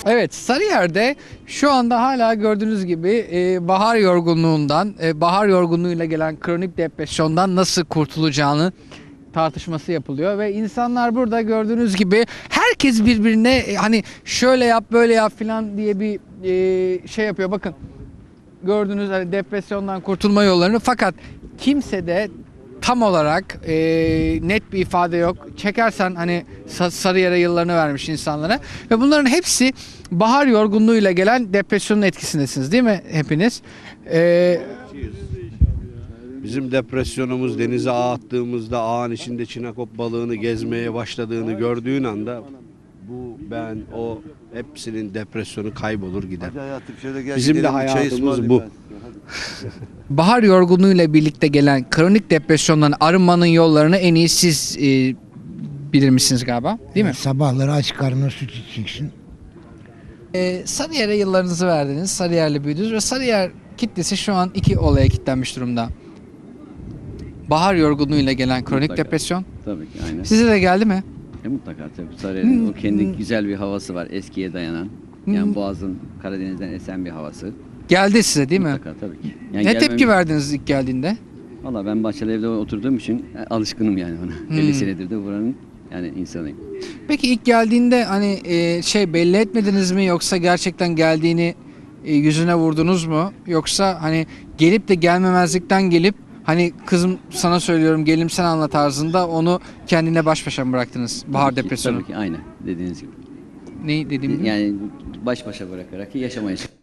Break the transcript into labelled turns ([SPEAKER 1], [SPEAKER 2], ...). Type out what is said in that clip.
[SPEAKER 1] Evet, Sarıyer'de şu anda hala gördüğünüz gibi bahar yorgunluğundan, bahar yorgunluğuyla gelen kronik depresyondan nasıl kurtulacağını tartışması yapılıyor ve insanlar burada gördüğünüz gibi herkes birbirine hani şöyle yap böyle yap filan diye bir şey yapıyor. Bakın gördüğünüz hani depresyondan kurtulma yollarını, fakat kimse de tam olarak net bir ifade yok. Çekersen hani Sarıyer'e yıllarını vermiş insanlara ve bunların hepsi bahar yorgunluğuyla gelen depresyonun etkisindesiniz değil mi hepiniz?
[SPEAKER 2] Bizim depresyonumuz denize ağ attığımızda ağın içinde çinekop balığını gezmeye başladığını gördüğün anda o hepsinin depresyonu kaybolur gider. Bizim de hayatımız bu.
[SPEAKER 1] Bahar yorgunluğuyla birlikte gelen kronik depresyondan arınmanın yollarını en iyi siz bilir misiniz galiba, değil mi?
[SPEAKER 3] Sabahları aç karnına süt içeceksin.
[SPEAKER 1] Sarıyer'e yıllarınızı verdiniz. Sarıyer'le büyüdünüz ve Sarıyer kitlesi şu an iki olaya kilitlenmiş durumda. Bahar yorgunluğuyla gelen kronik
[SPEAKER 4] Mutlaka.
[SPEAKER 1] depresyon.
[SPEAKER 4] Tabii ki aynen.
[SPEAKER 1] Size de geldi mi?
[SPEAKER 4] Mutlaka tabii. Sarıyer'in o kendi güzel bir havası var. Eskiye dayanan. Yani Boğaz'ın Karadeniz'den esen bir havası.
[SPEAKER 1] Geldi size değil mi?
[SPEAKER 4] Mutlaka tabii ki. Yani
[SPEAKER 1] Ne tepki verdiniz ilk geldiğinde?
[SPEAKER 4] Valla ben Bahçeli evde oturduğum için alışkınım yani ona. 50 senedir de buranın yani insanıyım.
[SPEAKER 1] Peki ilk geldiğinde hani belli etmediniz mi, yoksa gerçekten geldiğini yüzüne vurdunuz mu? Yoksa hani gelip de gelmemezlikten gelip hani kızım sana söylüyorum gelim sen anla tarzında onu kendine baş başa mı bıraktınız bahar
[SPEAKER 4] Tabii ki,
[SPEAKER 1] depresyonu?
[SPEAKER 4] Tabii ki aynen dediğiniz gibi.
[SPEAKER 1] Ne dediğim gibi?
[SPEAKER 4] Yani baş başa bırakarak yaşamaya